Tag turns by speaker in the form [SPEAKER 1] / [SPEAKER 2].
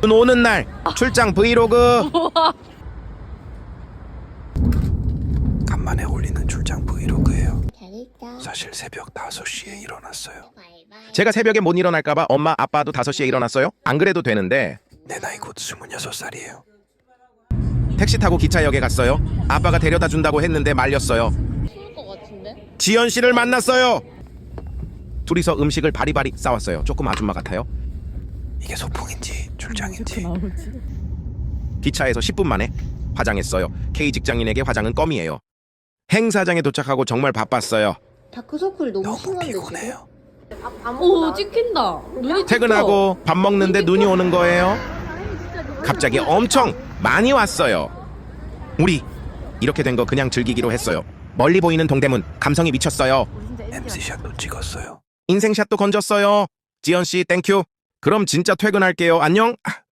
[SPEAKER 1] 오는 날 출장 브이로그.
[SPEAKER 2] 간만에 올리는 출장 브이로그예요.
[SPEAKER 3] 잘했다.
[SPEAKER 2] 사실 새벽 5시에 일어났어요.
[SPEAKER 1] 제가 새벽에 못 일어날까봐 엄마 아빠도 5시에 일어났어요. 안 그래도 되는데
[SPEAKER 2] 내 나이 곧 26살이에요.
[SPEAKER 1] 택시 타고 기차역에 갔어요. 아빠가 데려다 준다고 했는데 말렸어요.
[SPEAKER 3] 추울 것 같은데?
[SPEAKER 1] 지연 씨를 만났어요. 둘이서 음식을 바리바리 싸웠어요. 조금 아줌마 같아요.
[SPEAKER 2] 이게 소풍인지 출장인지.
[SPEAKER 1] 기차에서 10분 만에 화장했어요. K 직장인에게 화장은 껌이에요. 행사장에 도착하고 정말 바빴어요.
[SPEAKER 3] 다크서클 너무
[SPEAKER 2] 너무
[SPEAKER 3] 심한데 지금?
[SPEAKER 2] 피곤해요.
[SPEAKER 4] 오 찍힌다. 눈이
[SPEAKER 1] 퇴근하고 밥 먹는데 눈이 오는 거예요. 갑자기 엄청 많이 왔어요. 우리 이렇게 된 거 그냥 즐기기로 했어요. 멀리 보이는 동대문 감성이 미쳤어요.
[SPEAKER 2] MC샷도 찍었어요.
[SPEAKER 1] 인생샷도 건졌어요. 지연 씨 땡큐. 그럼 진짜 퇴근할게요. 안녕.